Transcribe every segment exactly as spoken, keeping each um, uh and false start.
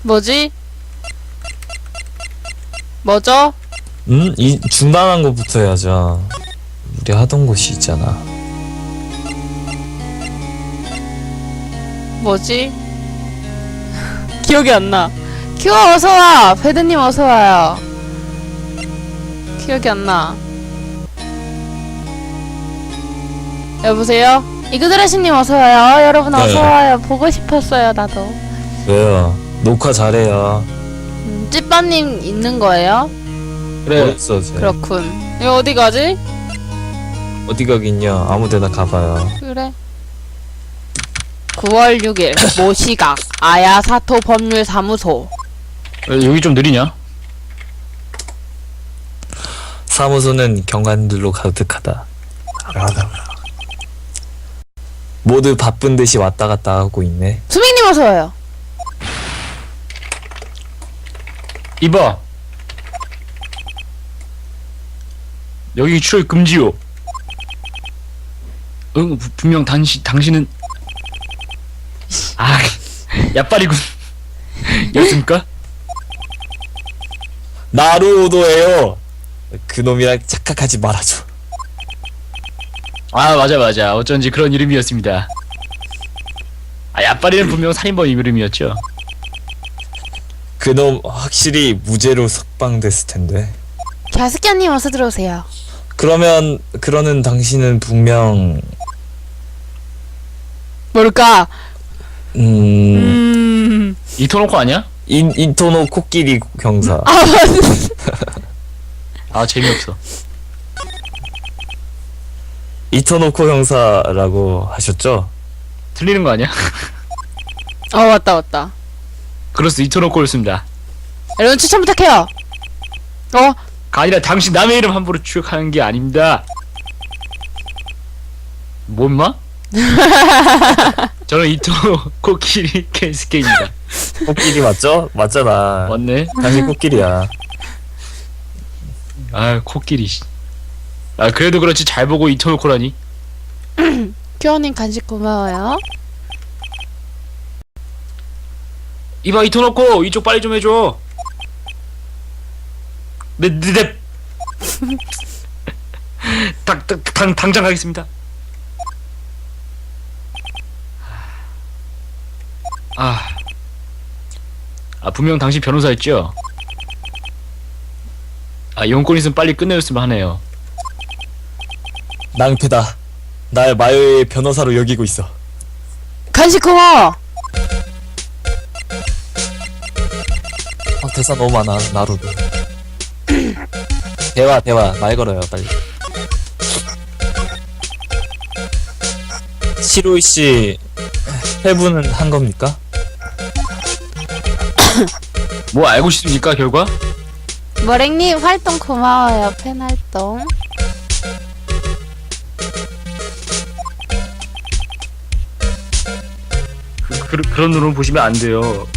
뭐지? 뭐죠? 음? 이 중단한 것부터 해야죠. 우리 하던 곳이 있잖아. 뭐지? 기억이 안 나. 큐어 어서와! 배드님 어서와요. 기억이 안 나. 여보세요? 이그드레시님 어서와요. 여러분 네. 어서와요. 보고 싶었어요, 나도. 왜요? 녹화 잘해요. 음, 찌빠님 있는 거예요? 그래. 어딨어, 쟤? 그렇군. 이거 어디 가지? 어디 가긴요. 아무데나 가봐요. 그래. 구월 육일 모시각 아야사토 법률사무소. 왜 여기 좀 느리냐? 사무소는 경관들로 가득하다. 모두 바쁜 듯이 왔다 갔다 하고 있네. 수민님 어서와요. 이봐, 여기 출입 금지요. 응, 부- 분명 당시, 당신은 아, 야빨이군. 였습니까? 나루오도예요. 그놈이랑 착각하지 말아줘. 아, 맞아 맞아, 어쩐지 그런 이름이었습니다. 아, 야빨이는 분명 살인범 이름이었죠. 그놈 확실히 무죄로 석방됐을 텐데. 갸스키아님 어서 들어오세요. 그러면 그러는 당신은 분명 뭘까? 음, 음... 이토노코 아니야? 인 인토노 코끼리 경사. 아 맞네. 아, 재미없어. 이토노코 형사라고 하셨죠? 틀리는 거 아니야? 어 왔다 왔다. 그렇소, 이토노코였습니다. 여러분 추천 부탁해요. 어? 가 아니라 당신 남의 이름 함부로 추격하는 게 아닙니다. 뭐 임마? 저는 이토노코 키리 케이스케입니다. 코끼리 맞죠? 맞잖아. 맞네. 당신 코끼리야. 아, 코끼리. 씨. 아, 그래도 그렇지 잘 보고 이토노코라니. 큐어님 간식 고마워요. 이봐, 이토노코, 이쪽 빨리 좀 해줘. 네, 네, 네. 당, 당, 당, 당장 가겠습니다. 아, 아 분명 당신 변호사였죠? 아, 용건 있으면 빨리 끝내줬으면 하네요. 낭패다. 날 마요의 변호사로 여기고 있어. 간식 고마워. 아, 대사 너무 많아. 나루도. 대화 대화 말 걸어요 빨리. 시로이 씨 회부는 한 겁니까? 뭐 알고 싶습니까, 결과? 머랭님 활동 고마워요. 팬 활동. 그, 그, 그런 눈으로 보시면 안 돼요.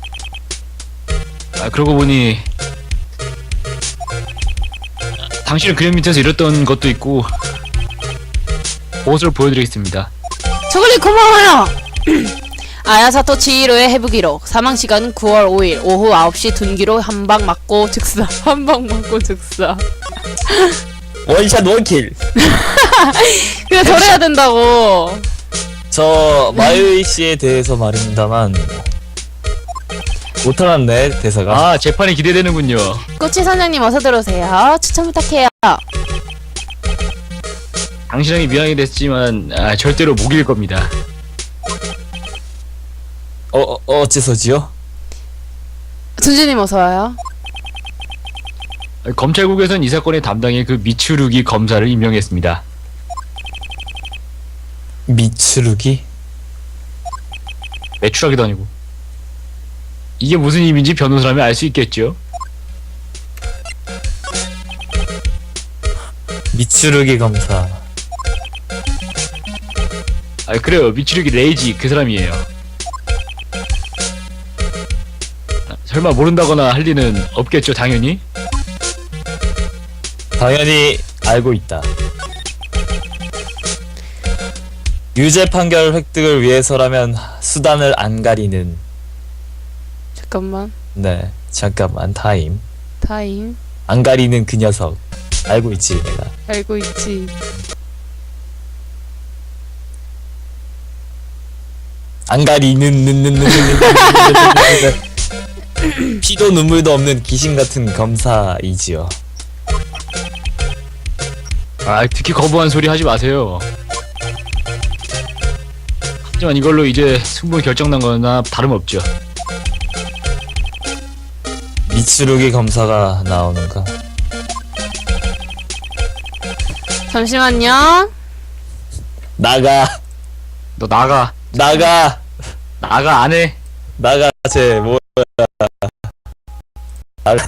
아, 그러고 보니 당신은 그림 밑에서 이랬던 것도 있고 옷을 보여드리겠습니다. 초콜릿 고마워요. 아야사토 치히로의 해부기록. 사망시간은 구월 오일 오후 아홉 시 둔기로 한 방 맞고 즉사. 한 방 맞고 즉사. 원샷 원킬. 그냥 저래야 된다고. 저 마요이 씨에 대해서 말입니다만 못하았네 대사가. 아, 재판이 기대되는군요. 꼬치 선장님 어서 들어오세요. 추천 부탁해요. 당신에게 미안하게 됐지만 아, 절대로 못 이길 겁니다. 어, 어 어째서지요? 준주님 어서 와요. 검찰국에선 이 사건의 담당인 그 미츠루기 검사를 임명했습니다. 미츠루기? 매출하기도 아니고. 이게 무슨 의미인지 변호사라면 알 수 있겠죠? 미츠루기 검사. 아, 그래요. 미츠루기 레이지 그 사람이에요. 아, 설마 모른다거나 할 리는 없겠죠, 당연히. 당연히 알고 있다. 유죄 판결 획득을 위해서라면 수단을 안 가리는. 잠깐만. 네, 잠깐만 타임. 타임. 안 가리는 그 녀석 알고 있지 내가. 알고 있지. 안 가리는 는는는는는 피도 눈물도 없는 귀신 같은 검사이지요. 아, 특히 거부한 소리 하지 마세요. 하지만 이걸로 이제 승부 결정난 거나 다름없죠. 미츠루기 검사가 나오는가? 잠시만요. 나가 너 나가. 나가 나가 안 해. 나가 쟤 뭐야? 나가.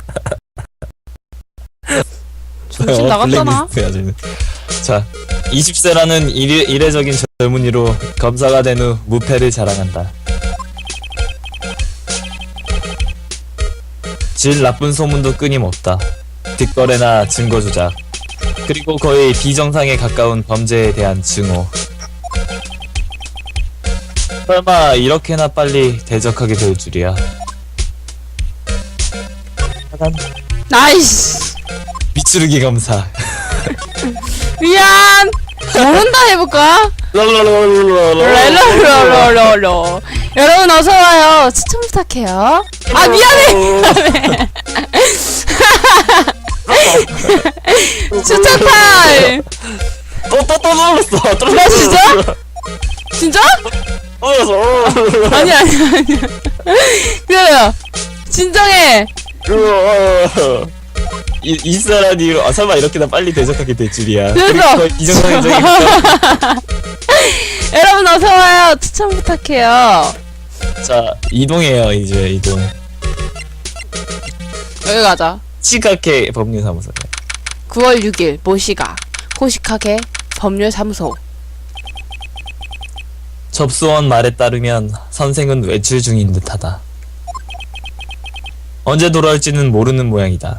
정신 나갔잖아. 블랙리스트야, 쟤는. 자, 이십 세라는 이례, 이례적인 젊은이로 검사가 된 후 무패를 자랑한다. 질 나쁜 소문도 끊임없다. 뒷거래나 증거 조작, 그리고 거의 비정상에 가까운 범죄에 대한 증오. 설마 이렇게나 빨리 대적하게 될 줄이야. 하단 나이스. 미츠루기 검사. 미안. 모른다 해볼까? 랄랄랄랄랄. 여러분 어서 와요. 추천 부탁해요. 아 미안해. 추천 타임. 또또또 눌렀어. 나 진짜? 진짜? 눌렀어. 아니 아니 아니. 그래요. 진정해. 이, 이 사람이 아, 설마 이렇게나 빨리 대적하게 될 줄이야. 그래서. 그리고 이정상적인 여러분 어서 와요. 추천 부탁해요. 자, 이동해요. 이제 이동. 여기 가자. 시각회 법률사무소. 구월 육일 모시가 호식하게 법률사무소. 접수원 말에 따르면 선생은 외출 중인 듯하다. 언제 돌아올지는 모르는 모양이다.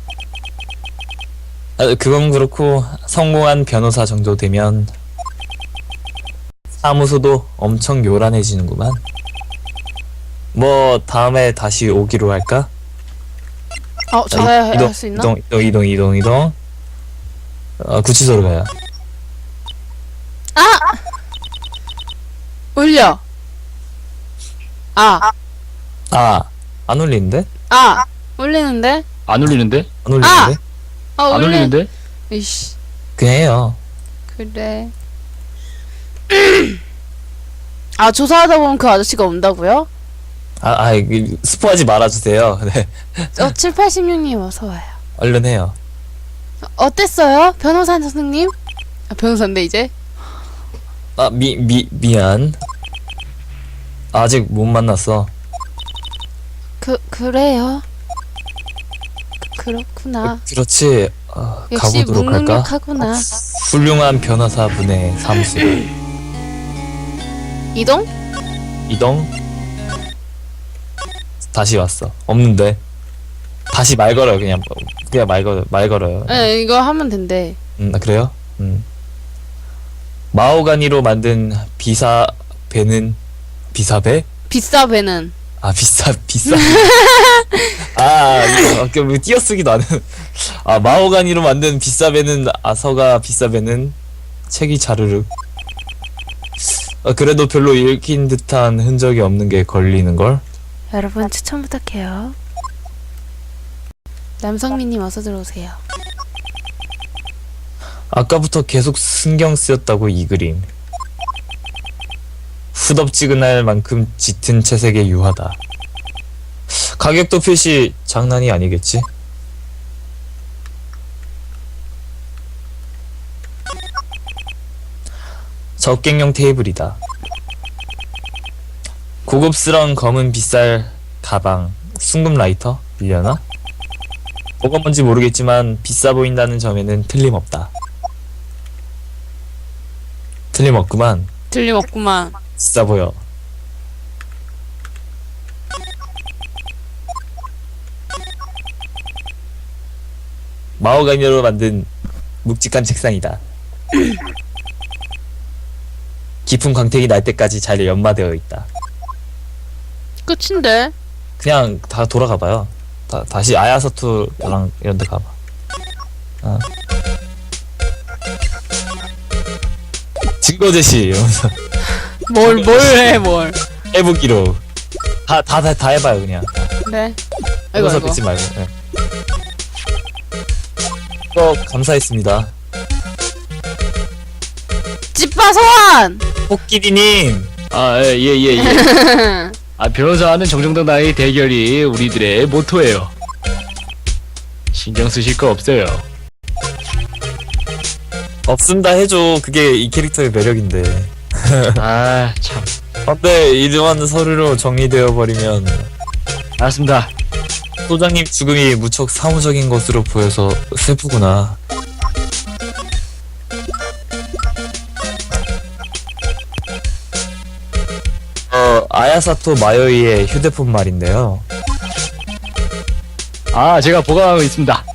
아, 그건 그렇고 성공한 변호사 정도 되면 사무소도 엄청 요란해지는구만. 뭐 다음에 다시 오기로 할까? 어, 자, 저야 이동, 할 수 있나? 이동 이동 이동 이동 이동. 어, 구치소로 가요. 아! 울려. 아, 아, 안 울리는데? 아, 울리는데? 안 울리는데? 안 울리는데? 어, 안 울리. 울리는데? 이씨, 그냥 해요. 그래. 아, 조사하다 보면 그 아저씨가 온다고요? 아, 아, 이- 스포하지 말아주세요. 네, 어, 칠팔십육 님 어서 와요. 얼른 해요. 어땠어요? 변호사 선생님? 아, 변호사인데 이제? 아, 미, 미, 미안. 아직 못 만났어. 그, 그래요? 그, 그렇구나. 그렇지. 어, 역시 가보도록 할까? 묵묵하구나. 훌륭한 변호사분의 사무소. 이동? 이동. 다시 왔어. 없는데. 다시 말 걸어요. 그냥 그냥 말 걸어 말 걸어요. 네, 이거 하면 된대. 음, 아, 그래요? 음. 마오가니로 만든 비사 배는 비사배? 비싸 배는. 아 비싸 비싸. 아 이거 아까 뭐 띄어쓰기도 안 해. 아 마오가니로 만든 비싸 배는 아서가 비싸 배는 책이 자르륵. 아, 그래도 별로 읽힌 듯한 흔적이 없는 게 걸리는 걸. 여러분 추천 부탁해요. 남성민님 어서 들어오세요. 아까부터 계속 신경 쓰였다고 이 그림. 후덥지근할 만큼 짙은 채색의 유화다. 가격도 표시 장난이 아니겠지? 적객용 테이블이다. 고급스러운 검은 빗살 가방, 순금 라이터 빌려나? 뭐가 뭔지 모르겠지만 비싸 보인다는 점에는 틀림없다. 틀림없구만. 틀림없구만. 비싸 보여. 마오가니로 만든 묵직한 책상이다. 깊은 광택이 날 때까지 잘 연마되어 있다. 끝인데? 그냥 다 돌아가봐요. 다, 다시 아야사투랑 이런 데 가봐. 어. 증거 제시 이러면서 뭘 뭘 해 뭘. 해보기로 다 다 다 다 해봐요 그냥. 네. 아이고 해서 아이고. 뵙지 말고. 네. 어, 감사했습니다. 찌빠 소환. 코끼리님. 아, 예, 예, 예. 예. 아, 변호사와는 정정당당의 대결이 우리들의 모토예요. 신경 쓰실 거 없어요. 없습니다 해줘. 그게 이 캐릭터의 매력인데. 아, 참. 근데 이러한 서류로 정리되어 버리면 알았습니다. 소장님 죽음이 무척 사무적인 것으로 보여서 슬프구나. 어, 아야사토 마요이의 휴대폰 말인데요. 아, 제가 보관하고 있습니다.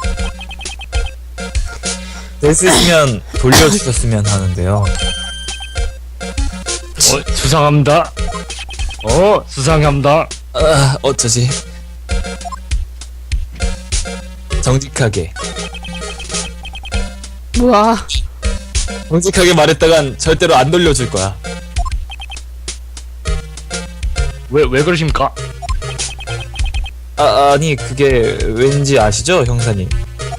될 수 있으면 돌려주셨으면 하는데요. 어, 수상합니다. 어, 수상합니다. 아, 어쩌지? 정직하게. 뭐야. 정직하게 말했다간 절대로 안 돌려줄 거야. 왜, 왜 그러십니까? 아, 아니, 그게 왠지 아시죠, 형사님?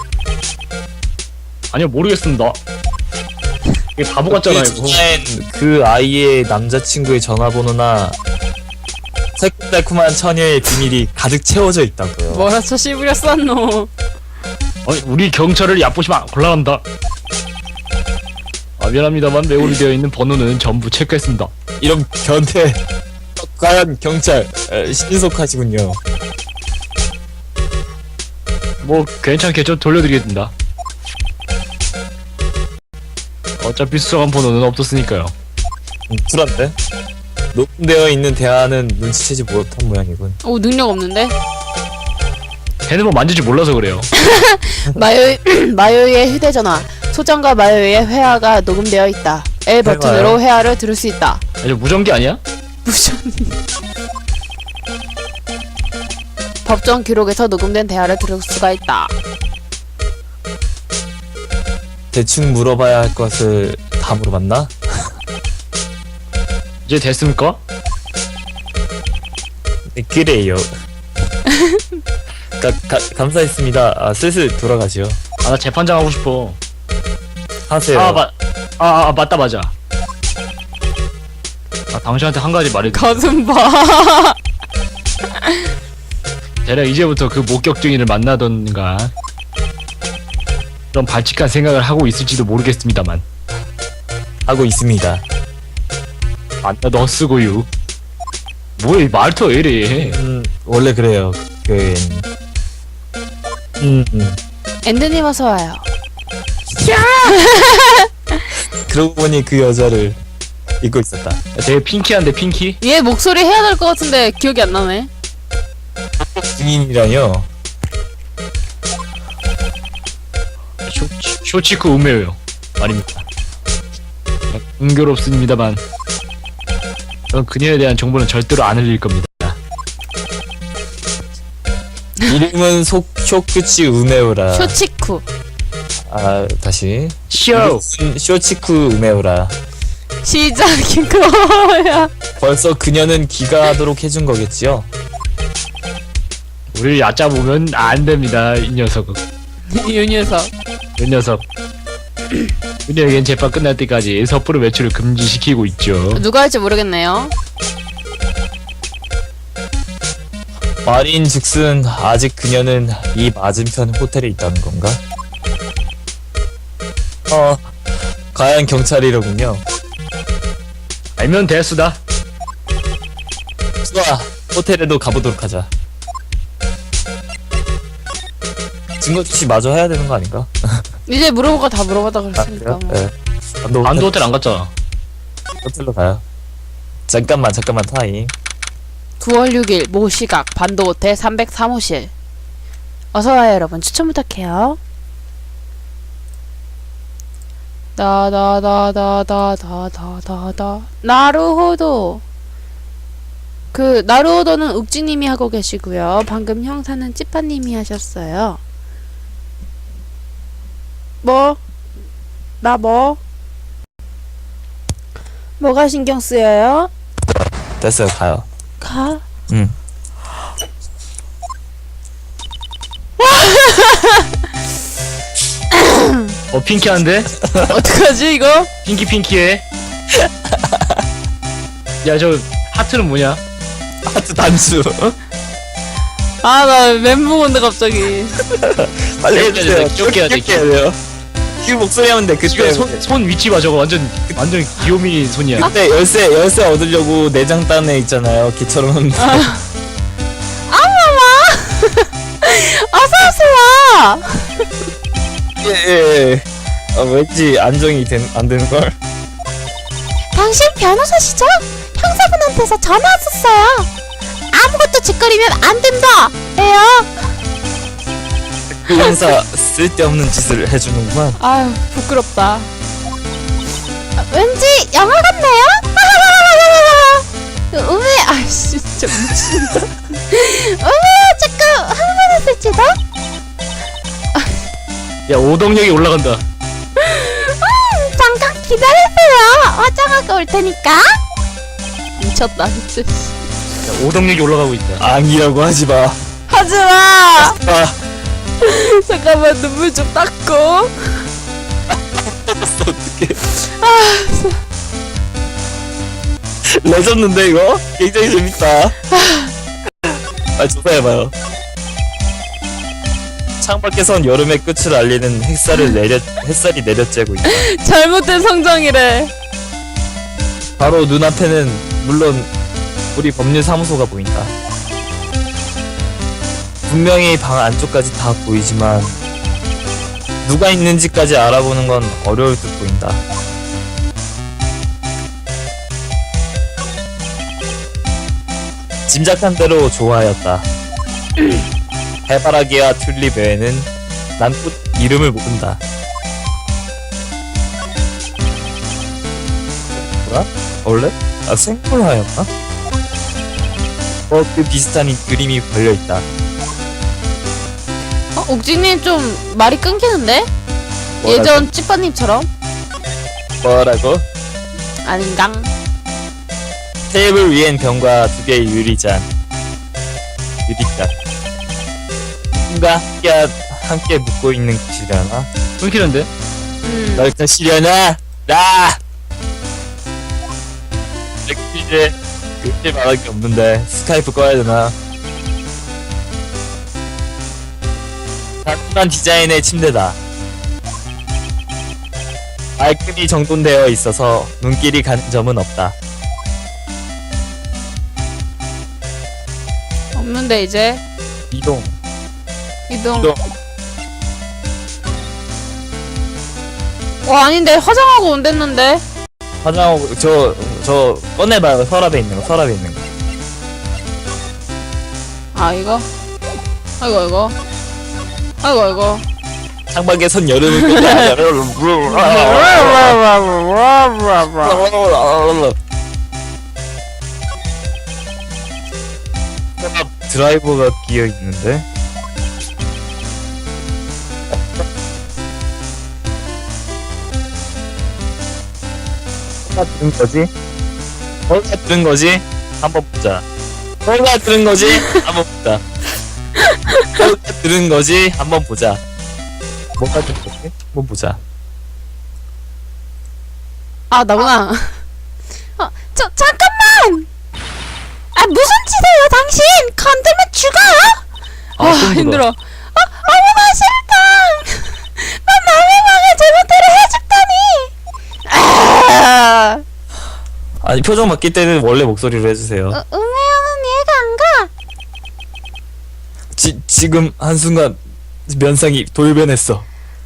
아니요, 모르겠습니다. 이게 바보 같잖아요, 그 이거. 전엔 그 아이의 남자친구의 전화번호나 새콤달콤한 처녀의 비밀이 가득 채워져 있다고요. 뭐라 저 씨부려 쌌노. 아니, 우리 경찰을 얕보시면 곤란합니다. 아, 미안합니다만 메모리 되어 있는 번호는 전부 체크했습니다. 이런 변태. 과연 경찰 에, 신속하시군요. 뭐 괜찮겠죠? 돌려드리겠습니다. 어차피 수상한 번호는 없었으니까요. 음, 불안데? 녹음되어 있는 대화는 눈치채지 못한 모양이군. 오 능력 없는데? 핸드폰 만질지 몰라서 그래요. 마요 마요이의 휴대전화. 소장과 마요이의 회화가 녹음되어 있다. L 버튼으로 회화를 들을 수 있다. 아니, 무전기 아니야? 무슨 법정 기록에서 녹음된 대화를 들을 수가 있다. 대충 물어봐야 할 것을 다 물어봤나? 이제 됐습니까? 네, 그래요. 가, 가, 감사했습니다. 아, 슬슬 돌아가시오. 아, 나 재판장 하고 싶어. 하세요. 아, 맞, 아, 아, 맞다, 맞아. 아, 당신한테 한 가지 말해도 가슴 봐. 대략 이제부터 그 목격 증인을 만나던가 그런 발칙한 생각을 하고 있을지도 모르겠습니다만. 하고 있습니다. 안나 너 쓰고요. 뭐야, 이 말투 왜 이래? 음, 원래 그래요. 그, 음, 음. 앤드님 어서 와요. 그러고 보니 그 여자를 잊고 있었다. 되게 핑키한데 핑키? 얘 목소리 해야 될 것 같은데 기억이 안 나네. 증인이라뇨. 쇼, 쇼치쿠 우메요 말입니다. 은교롭습니다만 전 그녀에 대한 정보는 절대로 안 흘릴 겁니다. 이름은 소, 쇼쿠치 우메우라. 쇼치쿠. 아, 다시. 쇼! 이름은 쇼치쿠 우메우라. 시작인 거야. 벌써 그녀는 귀가하도록 해준 거겠지요? 우리를 얕잡으면 안 됩니다, 이 녀석은. 이 녀석. 이 녀석. 그녀에겐 재판 끝날 때까지 섣부른 외출을 금지시키고 있죠. 누가 할지 모르겠네요. 말인 즉슨 아직 그녀는 이 맞은편 호텔에 있다는 건가? 어, 과연 경찰이로군요. 알면 대수다. 좋아, 호텔에도 가보도록 하자. 증거 주시 마저 해야 되는 거 아닌가? 이제 물어보고 다 물어보다 아, 그랬으니까. 그래요? 뭐. 네. 안도 안도 호텔 안 갔잖아. 호텔로 가요. 잠깐만, 잠깐만, 타임. 구월 육일 모시각 반도호텔 삼백삼 호실. 어서와요 여러분. 추천 부탁해요. 다다다다다다다다다 나루호도. 그 나루오더는 욱지님이 하고 계시고요. 방금 형사는 찌빠님이 하셨어요. 뭐? 나 뭐? 뭐가 신경 쓰여요? 됐어요, 가요. 가? 응. 어 핑키한데? 어떡하지 이거? 핑키 핑키해. 야 저 하트는 뭐냐? 하트 단수. 아 나 멘붕 온다 갑자기. 빨리 귀엽게 해주세요. 해야 돼, 귀엽게 해야 돼, 귀엽게 해야 돼요. 그 목소리 하면 돼. 지금 그때 손, 손 위치 봐 저거 완전 완전 귀요미 손이야. 그때 열쇠 열쇠 얻으려고 내장 딴 애 있잖아요. 걔처럼 하면 돼. 어서오세요. 예, 예. 아, 왠지 안정이 된, 안 되는 걸. 당신 변호사시죠? 형사분한테서 전화 왔었어요. 아무것도 짓거리면 안 된다. 에요. 그 형사 쓸데없는 짓을 해주는구만. 아유 부끄럽다. 왠지 영화 같네요. 음에 아이씨 진짜 미친다. 음에요 조금 흥분했을지도. 야 오동력이 올라간다. 음, 잠깐 기다리세요. 화장하고 올 테니까. 미쳤다 진짜. 야, 오동력이 올라가고 있다. 앙이라고 하지 마. 하지마. 아, 잠깐만 눈물 좀 닦고. 어떡해. 레전드인데 이거? 굉장히 재밌다. 아, 조사해봐요. 창밖에선 여름의 끝을 알리는 햇살을 내려, 햇살이 내려쬐고 있다. 잘못된 성장이래. 바로 눈앞에는 물론 우리 법률사무소가 보인다. 분명히 방 안쪽까지 다 보이지만 누가 있는지까지 알아보는 건 어려울 듯 보인다. 짐작한 대로 좋아하였다. 해바라기와 튤립 외에는 난 꽃 이름을 모른다. 뭐야? 원래? 아, 생물화였나? 어, 그 비슷한 이 그림이 걸려있다. 어, 옥진님 좀 말이 끊기는데? 뭐라고? 예전 찌빠님처럼? 뭐라고? 아닌강? 테이블 위엔 병과 두 개의 유리잔. 유리잔. 누군가 함께, 함께 묵고 있는 곳이려나? 끊기는데? 음. 널 것이려나? 나! 이제 이제 말할 게 없는데 스카이프 꺼야 되나? 단순한 디자인의 침대다. 말끔히 정돈되어 있어서 눈길이 가는 점은 없다. 없는데 이제 이동. 이동. 이동. 어 아닌데 화장하고 온댔는데. 화장하고 저 저 꺼내봐요. 서랍에 있는 거. 서랍에 있는 거. 아 이거. 아이고 아이고. 아이고 아이고. 창밖에선 여름을 끝내. 드라이버가 끼어 있는데. 뭐가 들은 거지? 뭐가 들은 거지? 한번 보자. 뭐가 들은 거지? 한번 보자. 뭐가 들은 거지? 한번 보자. 뭐가 들은 거지? 한번 보자. 아 나구나. 어, 저 잠깐만. 아 무슨 짓이에요 당신? 건들면 죽어요? 아, 아, 좀 힘들어. 아 어머나 싫다. 난 남의 방에 제멋대로 해줬다니. 아. 아니 표정 바뀔 때는 원래 목소리로 해주세요. 어, 음해하는 이해가 안 가. 지, 지금 한순간 면상이 돌변했어.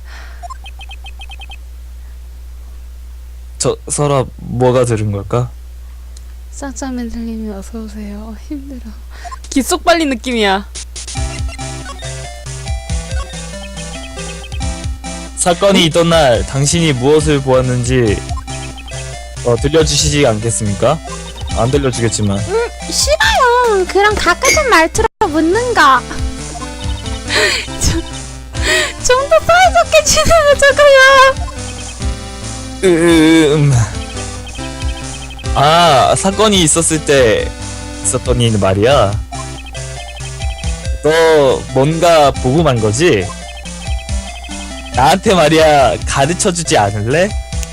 저 서랍 뭐가 들은 걸까? 쌍쌍맨들님이 어서 오세요. 힘들어. 기속 빨린 느낌이야. 사건이 있던 날 당신이 무엇을 보았는지 어, 들려주시지 않겠습니까? 안 들려주겠지만 음 싫어요. 좀 그런 가까운 말투로 묻는 거. 좀 더 사이좋게 지내자고요. 음. 아, 사건이 있었을 때 있었던 일 말이야. 너 뭔가 보고만 거지? 나한테 말이야 가르쳐주지 않을래?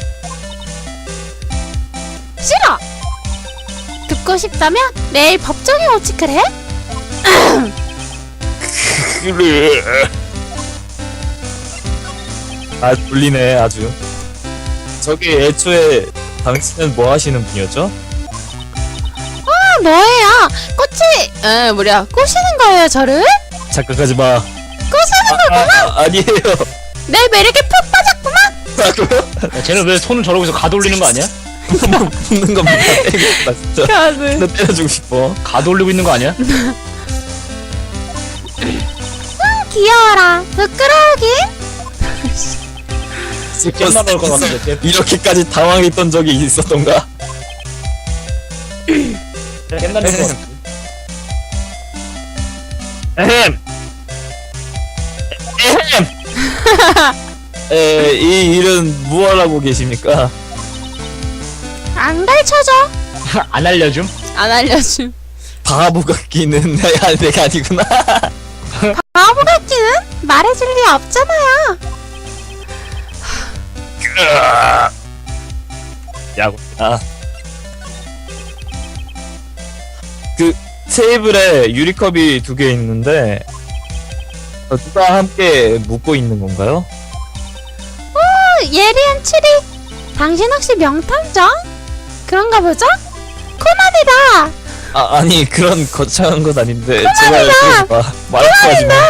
싫어. 듣고 싶다면 내일 법정에 오지 그래? 그래. 아, 졸리네 아주. 저기 애초에 당신은 뭐 하시는 분이었죠? 아, 뭐예요? 꽃이 에 뭐야 꼬시는 거예요 저를? 착각하지 마. 꼬시는 아, 아, 아, 아니에요. 내 매력에 푹 빠졌구만. 아, 그래요? 야, 쟤는 왜 손을 저러고 있어? 가돌리는 거 아니야? 붙는 겁니다. 때리겠다 진짜. 가드. 나 때려주고 싶어. 가돌리고 있는 거 아니야? 귀여워라. 부끄러우긴. 깻나 넣을 것 같은데. 이렇게까지 당황했던 적이 있었던가? 깻나 넣을 것 같은데. 에헴. 에헴. 에, 이 일은 무엇하고 계십니까? 안 가르쳐줘. 안 알려줌? 안 알려줌. 바보 같기는 내가 내가 아니구나. 바보 같기는 말해줄 리 없잖아요. 야구. 아. 그 테이블에 유리컵이 두 개 있는데 어, 누가 함께 묶고 있는 건가요? 예리한 추리. 당신 혹시 명탐정? 그런가 보죠? 코난이다. 아 아니 그런 거창한 건 아닌데 제발 그러지 마. 말하지 마.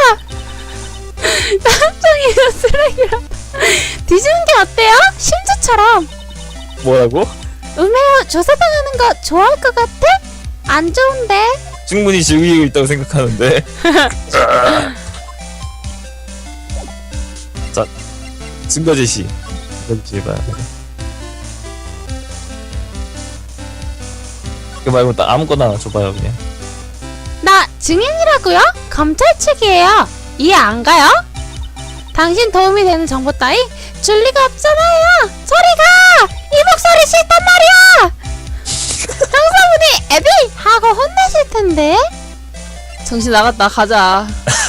탐정이가 쓰레기라. 뒤지는 게 어때요? 심주처럼. 뭐라고? 음해요 조사당하는 거 좋아할 것 같아? 안 좋은데. 충분히 즐기고 있다고 생각하는데. 자, 증거 제시. 증거 제시 해봐요. 그거 말고 딱 아무거나 줘봐요 그냥. 나 증인이라고요? 검찰 측이에요. 이해 안 가요? 당신 도움이 되는 정보 따위 줄 리가 없잖아요. 저리가! 이 목소리 싫단 말이야. 형사분이 애비 하고 혼내실 텐데. 정신 나갔다 가자.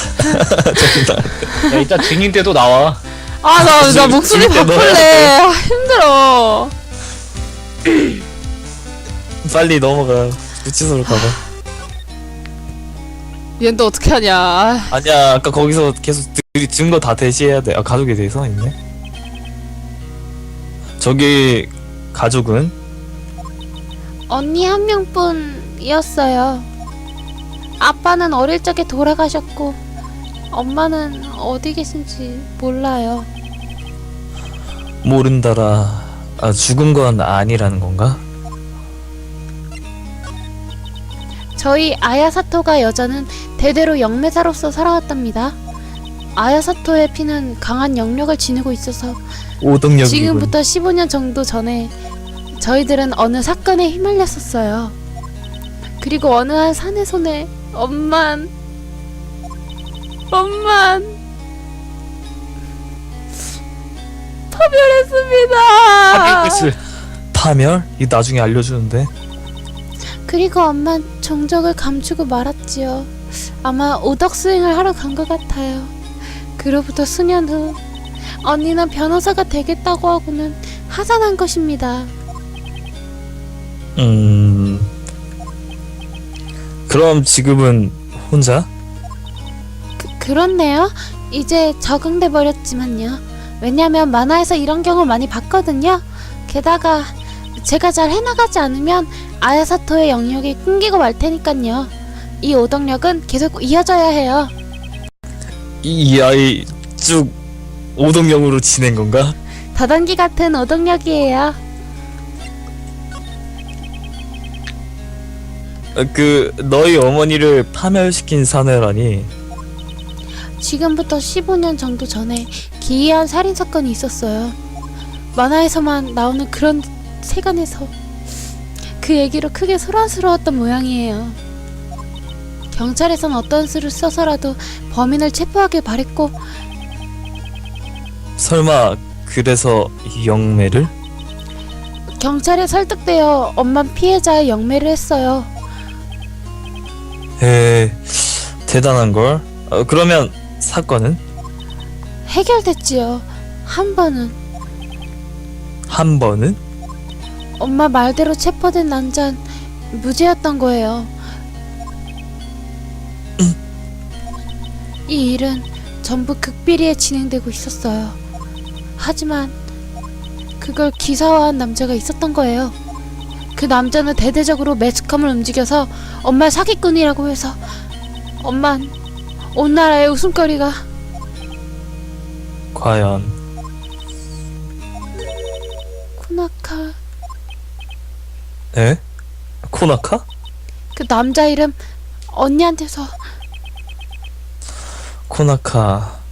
야, 이따 증인 때도 나와. 아 나 나 목소리 죽을 때 넣어야 바꿀래. 아, 힘들어. 빨리 넘어가. 구치소로 가봐. 얘는 또 어떻게 하냐. 아, 아니야 아까 거기서 계속 드- 증거 다 대시해야 돼. 아 가족에 대해서 있네. 저기 가족은 언니 한 명뿐이었어요. 아빠는 어릴 적에 돌아가셨고 엄마는 어디 계신지 몰라요. 모른다라. 아 죽은 건 아니라는 건가? 저희 아야사토가 여자는 대대로 영매사로서 살아왔답니다. 아야사토의 피는 강한 영력을 지니고 있어서 오동력이군. 지금부터 십오 년 정도 전에 저희들은 어느 사건에 휘말렸었어요. 그리고 어느 한 사내 손에 엄만 엄만 파멸했습니다. 하필 파멸? 이거 나중에 알려주는데. 그리고 엄만 정적을 감추고 말았지요. 아마 오덕 수행을 하러 간 것 같아요. 그로부터 수년 후 언니는 변호사가 되겠다고 하고는 하산한 것입니다. 음. 그럼 지금은 혼자? 그, 그렇네요. 이제 적응돼 버렸지만요. 왜냐면 만화에서 이런 경우 많이 봤거든요. 게다가 제가 잘 해나가지 않으면 아야사토의 영역이 끊기고 말 테니깐요. 이 오덕력은 계속 이어져야 해요. 이, 이 아이 쭉 오동력으로 지낸 건가? 다단기 같은 오덕력이에요. 어, 그 너희 어머니를 파멸시킨 사내라니. 지금부터 십오 년 정도 전에 기이한 살인 사건이 있었어요. 만화에서만 나오는 그런 세간에서 그 얘기로 크게 소란스러웠던 모양이에요. 경찰에선 어떤 수를 써서라도 범인을 체포하길 바랬고 설마 그래서 영매를? 경찰에 설득되어 엄만 피해자의 영매를 했어요. 에 대단한걸. 어, 그러면 사건은? 해결됐지요. 한 번은. 한 번은? 엄마 말대로 체포된 남잔 무죄였던 거예요. 이 일은 전부 극비리에 진행되고 있었어요. 하지만 그걸 기사화한 남자가 있었던 거예요. 그 남자는 대대적으로 매스컴을 움직여서 엄마 사기꾼이라고 해서 엄만 온 나라의 웃음거리가. 과연 코나카. 에? 코나카? 그 남자 이름 언니한테서. 코나카